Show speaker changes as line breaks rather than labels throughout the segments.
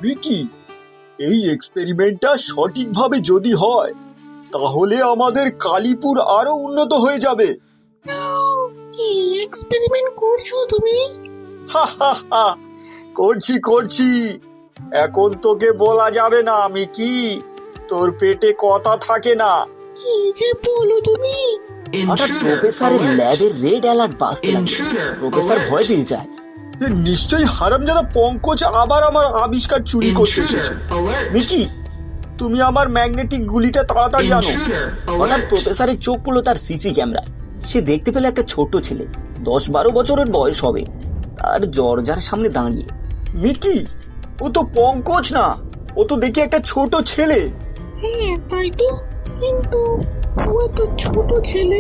Mickey, এই এক্সপেরিমেন্টটা সঠিকভাবে যদি হয় তাহলে আমাদের কালীপুর আরো উন্নত হয়ে যাবে।
কি এক্সপেরিমেন্ট করছো তুমি?
হা হা হা, করছি করছি। এখন তোকে বলা যাবে না মিকি, তোর পেটে কথা থাকে না।
কি যে বলো তুমি?
হঠাৎ প্রফেসরের ল্যাবের রেড অ্যালার্ট বাজতে লাগলো। প্রফেসর ভয় পেয়ে যায়।
নিশ্চয়ই হারামজাদা পঙ্কজ আবার আমার আবিষ্কার চুরি করতে এসেছে। মিকি, তুমি আমার ম্যাগনেটিক গুলিটা তাড়াতাড়ি আনো।
হঠাৎ প্রফেসরের চোখ পড়লো তার সিসি ক্যামেরায়। সে দেখতে পেল একটা ছোট ছেলে, 10-12 বছরের বয়স হবে, তার দরজার সামনে দাঁড়িয়ে।
মিকি, ও তো পঙ্কজ না, ও তো দেখি একটা ছোট ছেলে।
হ্যাঁ তাই তো, কিন্তু ও তো ছোট ছেলে,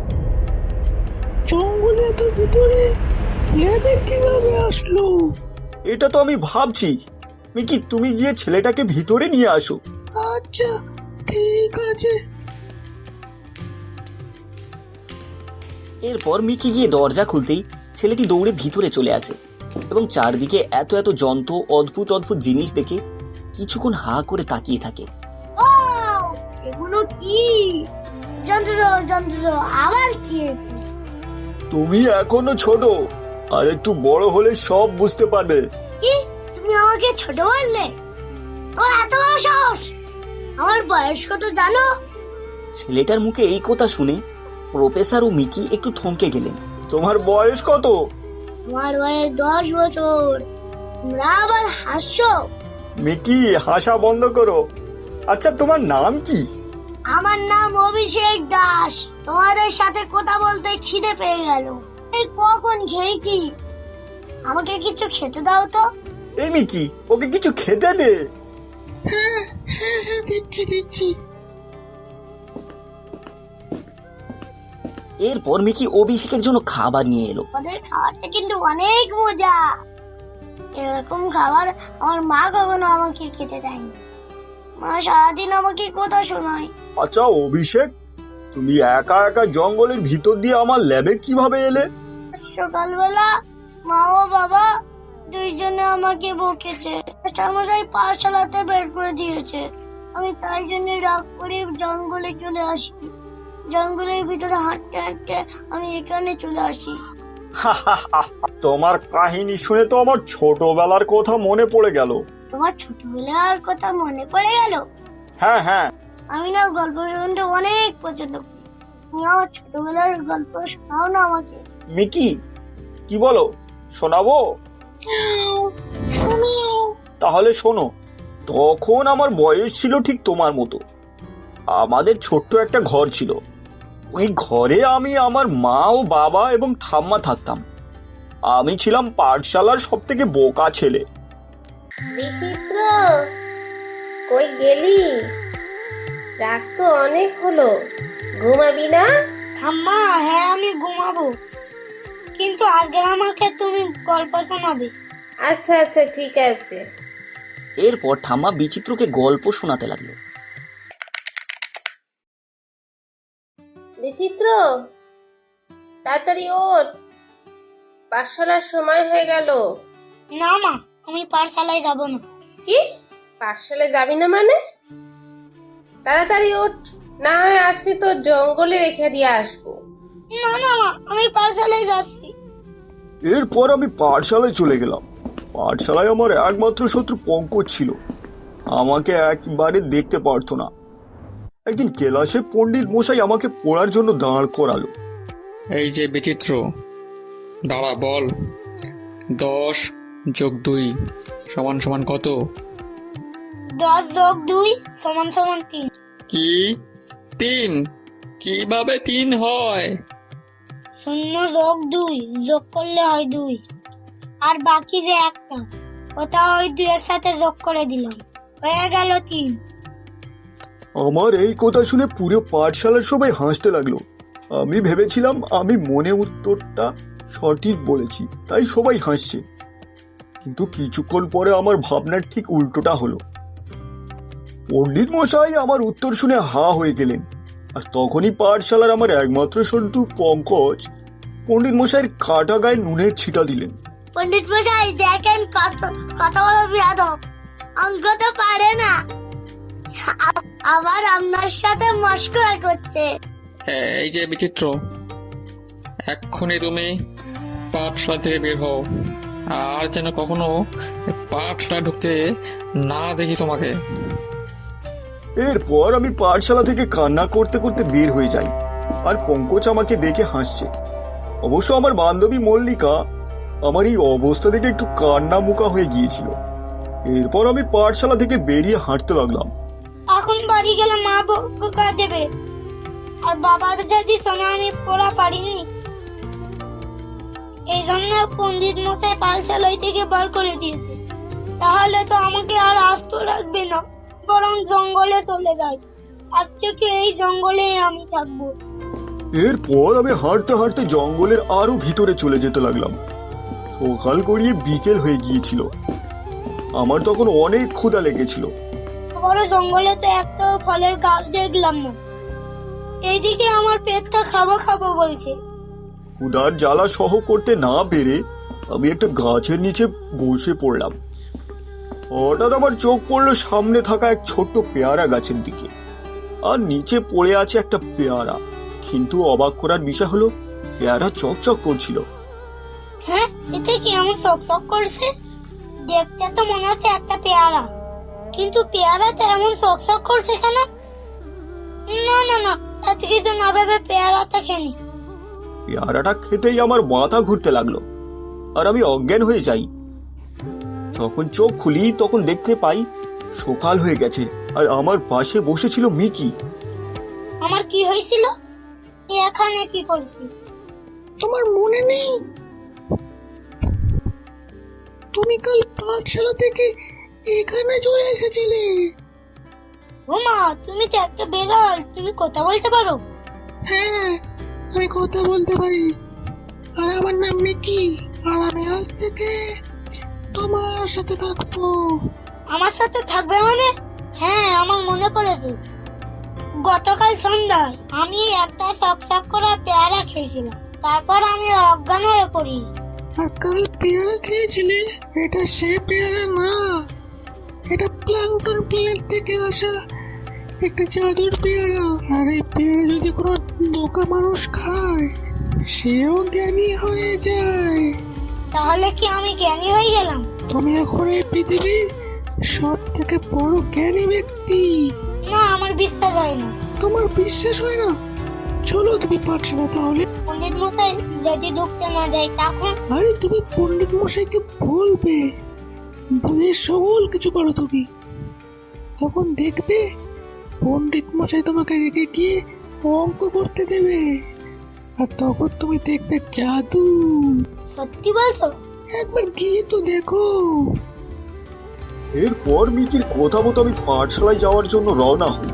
জঙ্গলে তো ভিতরে ল্যাবে কিভাবে আসলো?
এটা তো আমি ভাবছি। মিকি, তুমি গিয়ে ছেলেটাকে ভিতরে নিয়ে আসো।
আচ্ছা ঠিক আছে।
এরপর মিকি গিয়ে দরজা খুলতেই ছেলেটি দৌড়ে ভিতরে চলে আসে এবং চারদিকে এত এত যন্ত্র, অদ্ভুত অদ্ভুত জিনিস দেখে কিছুক্ষণ হা করে তাকিয়ে থাকে।
এগুলো কি যন্ত্র যন্ত্র? আবার কি?
তুমি এখনো ছোট, আর একটু বড় হলে সব বুঝতে পারবে।
কি তুমি আমাকে ছোট বললে? ও এত বড় সাহস! আমার বয়স কত জানো?
ছেলেটার মুখে এই কথা শুনে প্রফেসর ও মিকি একটু থমকে গেলেন।
তোমার বয়স কত?
আমার বয়স 10 বছর। তোমরা আবার হাসছো?
মিকি, হাসা বন্ধ করো। আচ্ছা, তোমার নাম কি?
আমার নাম অভিষেক দাস। তোমাদের সাথে কথা বলতে খিদে পেয়ে গেল। এই কখন খেয়েছি, আমাকে কিছু খেতে দাও তো।
এই মিকি, ওকে কিছু খেতে দে।
হ্যাঁ হ্যাঁ হ্যাঁ, দিচ্ছি দিচ্ছি।
এরপর মিকি অভিষেকের জন্য খাবার নিয়ে এলো।
ওদের খাবারটা কিন্তু অনেক মজা। এরকম খাবার আমার মা কখনো আমাকে খেতে দেয়নি। মা সারাদিন আমাকে কথা শোনায়।
আচ্ছা অভিষেক, তুমি একা একা জঙ্গলের ভিতর দিয়ে আমার ল্যাবে কিভাবে এলে?
সকালবেলা মা ও বাবা দুইজনে আমাকে বকেছে, মশাই পাঠশালাতে বের করে দিয়েছে। আমি তাই জন্য রাগ করে জঙ্গলে চলে আসি। জঙ্গলের ভিতরে হাঁটতে হাঁটতে আমি এখানে চলে আসি।
তোমার কাহিনী শুনে তো আমার ছোটবেলার কথা মনে পড়ে গেল।
তোমার ছোটবেলার কথা মনে পড়ে গেল?
হ্যাঁ হ্যাঁ,
আমি না গল্প শুনতে অনেক পছন্দ করি। তুমি আমার ছোটবেলার গল্প শোনাও না আমাকে।
মিকি, কি বলো, শোনাবো?
শোনাও।
তাহলে শোনো। তখন আমার বয়স ছিল ঠিক তোমার মতো। আমাদের ছোট্ট একটা ঘর ছিল। ওই ঘরে আমি, আমার মা ও বাবা এবং ঠাম্মা থাকতাম। আমি ছিলাম পাঠশালার সব থেকে বোকা ছেলে।
বিচিত্র, কই গেলি? রাত তো অনেক হলো, ঘুমাবি না?
ঠাম্মা, হ্যাঁ আমি ঘুমাবো, কিন্তু আজকে আমাকে তুমি গল্প শোনাবে।
আচ্ছা আচ্ছা ঠিক আছে।
এরপর ঠাম্মা বিচিত্রকে গল্প শোনাতে লাগলো।
বিচিত্র, তাড়াতাড়ি ওঠ, পাঠশালার সময় হয়ে গেল।
না মা, আমি পাঠশালায় যাব না।
কি, পাঠশালায় যাবি না মানে? তাড়াতাড়ি ওঠ, না হয় আজকে তো জঙ্গলে রেখে দিয়ে আসবো।
না না মা, আমি পাঠশালায় যাচ্ছি।
এরপর আমি পাঠশালায় চলে গেলাম। পাঠশালায় আমার একমাত্র শত্রু পঙ্কজ ছিল। আমাকে একবারে দেখতে পারতো না। একদিন ক্লাসে পণ্ডিত মশাই আমাকে পড়ার জন্য দাঁড় করালো।
এই যে বিচিত্র, দাঁড়া, বল 10 যোগ 2 সমান সমান কত?
10 যোগ 2 সমান সমান 3।
কি 3? কিভাবে 3 হয়?
0 যোগ 2 যোগ করলে হয় 2, আর বাকি যে একটা, ওটা ওই 2 এর সাথে যোগ করে দিলাম, হয়ে গেল 3।
আমার এই কথা শুনে পুরো পাঠশালার সবাই হাসতে লাগলো। আমি ভেবেছিলাম আমি মনে উত্তরটা সঠিক বলেছি, তাই সবাই হাসছে। কিন্তু কিছুক্ষণ পরে আমার ভাবনার ঠিক উল্টোটা হলো। পণ্ডিত মশাই আমার উত্তর শুনে হা হয়ে গেলেন। আর তখনই পাঠশালার আমার একমাত্র শত্রু পঙ্কজ পণ্ডিত মশাইয়ের কাটা গায়ে নুনের ছিটা দিলেন।
পণ্ডিত মশাই দেখেন, কত বড় বিয়াদব। অঙ্ক তো পারে না, আবার আপনার সাথে মস্করা করছে।
এই যে বিচিত্র, এক্ষুনি তুমি পাঠশালা থেকে বের হও, আর যেন কখনো পাঠশালা ঢুকতে না দেখি তোমাকে।
এরপর আমি পাঠশালা থেকে কান্না করতে করতে বের হয়ে যাই, আর পঙ্কজ আমাকে দেখে হাসছে। অবশ্য আমার বান্ধবী মল্লিকা আমার এই অবস্থা দেখে একটু কান্না মুখা হয়ে গিয়েছিল। এরপর আমি পাঠশালা থেকে বেরিয়ে হাঁটতে লাগলাম।
এখন বাড়ি গেলে মা বকা দেবে, আর বাবার যদি শোনে আমি পড়া পারিনি। এই জন্য পণ্ডিত মশাই পাঠশালায় থেকে বার করে দিয়েছে। তাহলে তো আমাকে আর আস্ত রাখবে না, বরং জঙ্গলে চলে যাই। আজ থেকে এই জঙ্গলেই আমি থাকবো।
এরপর আমি হাঁটতে হাঁটতে জঙ্গলের আরো ভিতরে চলে যেতে লাগলাম। সকাল গড়িয়ে বিকেল হয়ে গিয়েছিল। আমার তখন অনেক ক্ষুধা লেগেছিল।
বড় জঙ্গলে তো একটা ফলের গাছ দেখলাম না। এইদিকে আমার পেটটা খাবো খাবো বলছে।
ক্ষুধার জ্বালা সহ করতে না পেরে আমি একটা গাছের নিচে বসে পড়লাম। হঠাৎ আমার চোখ পড়লো সামনে থাকা এক ছোট্ট পেয়ারা গাছের দিকে, আর নিচে পড়ে আছে একটা পেয়ারা। কিন্তু অবাক করার বিষয় হলো, পেয়ারা চকচক করছিল।
হ্যাঁ, এতে কি এমন চকচক করছে? দেখতে তো মনে হচ্ছে একটা পেয়ারা, কিন্তু পেয়ারাটা এমন চকচক করছে কেন? না না না, এত কিছু না ভেবে পেয়ারাটা খেনি।
পেয়ারাটা খেতেই আমার মাথা ঘুরতে লাগলো, আর আমি অজ্ঞান হয়ে যাই। যখন চোখ খুলি তখন দেখতে পাই সকাল হয়ে গেছে, আর আমার পাশে বসেছিল মিকি।
আমার কি হয়েছিল? এখানে কি করছি?
তোমার মনে নেই তুমি কাল পাঠশালা থেকে এখানে চলে এসেছিলে?
ওমা, তুমি তো একটা বেড়াল, তুমি কথা বলতে পারো?
হ্যাঁ, আমি কথা বলতে পারি, আর আমার নাম মিকি, আর আমি আজ থেকে তোমার সাথে থাকবো।
আমার সাথে থাকবে মানে? হ্যাঁ, আমার মনে পড়েছে। গতকাল সন্ধ্যায় আমি একটা চকচক করা পেয়ারা খেয়েছিলাম, তারপর আমি অজ্ঞান হয়ে পড়ি।
আর কাল পেয়ারা খেয়েছিলে? এটা সে পেয়ারা না, এটা প্ল্যাঙ্কটন প্লেট থেকে আসা একটা জাদুর পেয়ারা। আর এই পেয়ারা যদি কোনো বোকা মানুষ খায়, সেও জ্ঞানী হয়ে যায়।
তাহলে কি আমি জ্ঞানী হয়ে গেলাম?
তুমি এখন এই পৃথিবীর সব থেকে বড় জ্ঞানী ব্যক্তি।
না, আমার বিশ্বাস হয় না।
তোমার বিশ্বাস হয় না? চলো তুমি পাঠশালা তাহলে।
পণ্ডিত মশাই যদি ঢুকতে না যায় তখন?
আরে তুমি পণ্ডিত মশাইকে বলবে, বলে সকল কিছু পারো তুমি। তখন দেখবে পণ্ডিত মশাই তোমাকে রেখে গিয়ে অঙ্ক করতে দেবে, আর তখন তুমি দেখবে জাদু।
সত্যি বলছো?
একবার গিয়ে তো দেখো।
এরপর মিকির কথা মতো আমি পাঠশালায় যাওয়ার জন্য রওনা হই।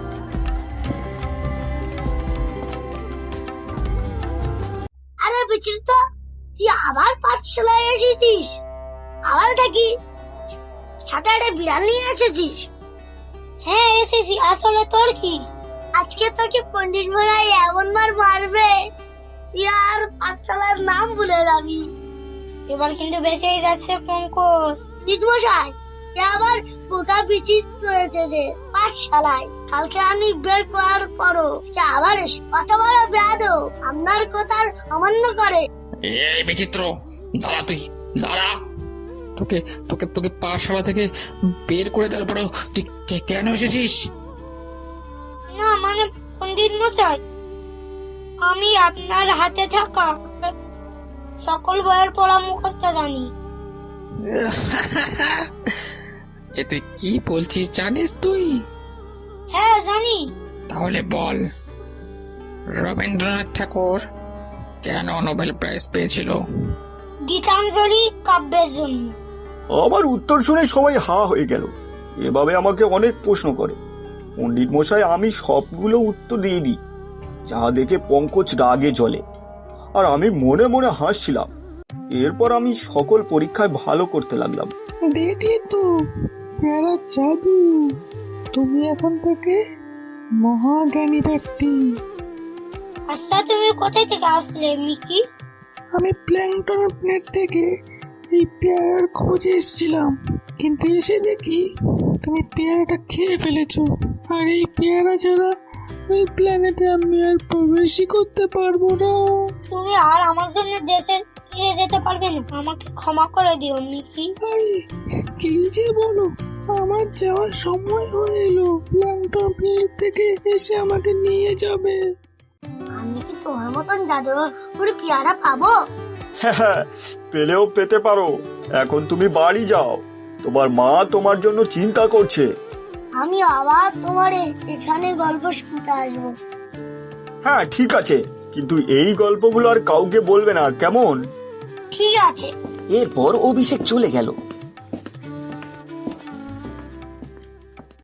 আরে বিচিত্র, তুই আবার পাঠশালায় এসেছিস? আবার দেখি সাথে একটা বিড়াল নিয়ে এসেছিস। হ্যাঁ এসেছি। আসলে তোর কি, আজকে তোকে পণ্ডিত মশাই এমন মার মারবে তুই আর পাঠশালার নাম ভুলে যাবি। এবার কিন্তু বেঁচে যাচ্ছে পঙ্কজ। পণ্ডিত মশাই, আবার বোকা বিচিত্র এসেছে পাঠশালায়। কালকে আমি বের করার পরও আবার এসে কত বড় বেয়াদব, আপনার কথার অমান্য করে।
এই বিচিত্র, দাঁড়া, তুই দাঁড়া। তোকে তোকে তোকে পাঠশালা থেকে বের করে দেওয়ার পরেও তুই কেন এসেছিস?
না মানে পণ্ডিত মশাই, আমি আপনার হাতে থাকা সকল বইয়ের পড়া মুখস্থ জানি।
এ তুই কি বলছিস জানিস তুই?
হ্যাঁ জানি।
তাহলে বল, রবীন্দ্রনাথ ঠাকুর কেন নোবেল প্রাইজ পেয়েছিল?
গীতাঞ্জলি কাব্যের জন্য।
আমার উত্তর শুনে সবাই হা হয়ে গেল। এভাবে আমাকে অনেক প্রশ্ন করে। পণ্ডিত মশাই আমি সবগুলো উত্তর দিয়ে দিই, যা দেখে পঙ্কজ রাগে জ্বলে, আর আমি মনে মনে হাসছিলাম। এরপর আমি সকল পরীক্ষায় ভালো করতে লাগলাম।
দেখলে তো পেয়ারা জাদু, তুমি এখন থেকে মহাজ্ঞানী ব্যক্তি।
আচ্ছা তুমি কোথায় থেকে আসলে মিকি?
আমি প্ল্যাঙ্কটন প্লেট থেকে এই পেয়ারার খোঁজে এসেছিলাম, কিন্তু এসে দেখি তুমি পেয়ারাটা খেয়ে ফেলেছো। আর এই পেয়ারা ছাড়া ওই প্ল্যানেটে আমি আর প্রবেশই করতে পারবো না।
তুমি আর আমার জন্য দেশে ফিরে যেতে পারবে না, আমাকে ক্ষমা করে দিও মিকি।
আরে কি যে বলো, আমার যাওয়ার সময় হয়ে এলো। প্ল্যাঙ্কটন প্লেট থেকে এসে আমাকে নিয়ে যাবে।
আমি কি তোমার মতন জাদুর পেয়ারা পাবো?
হ্যাঁ, পেলেও পেতে পারো। এখন তুমি বাড়ি যাও, তোমার মা তোমার জন্য চিন্তা করছে।
আমি আবার তোমার এখানে গল্প শুনতে আসবো।
হ্যাঁ ঠিক আছে, কিন্তু এই গল্পগুলো আর কাউকে বলবে না, কেমন?
ঠিক আছে।
এরপর অভিষেক চলে গেল।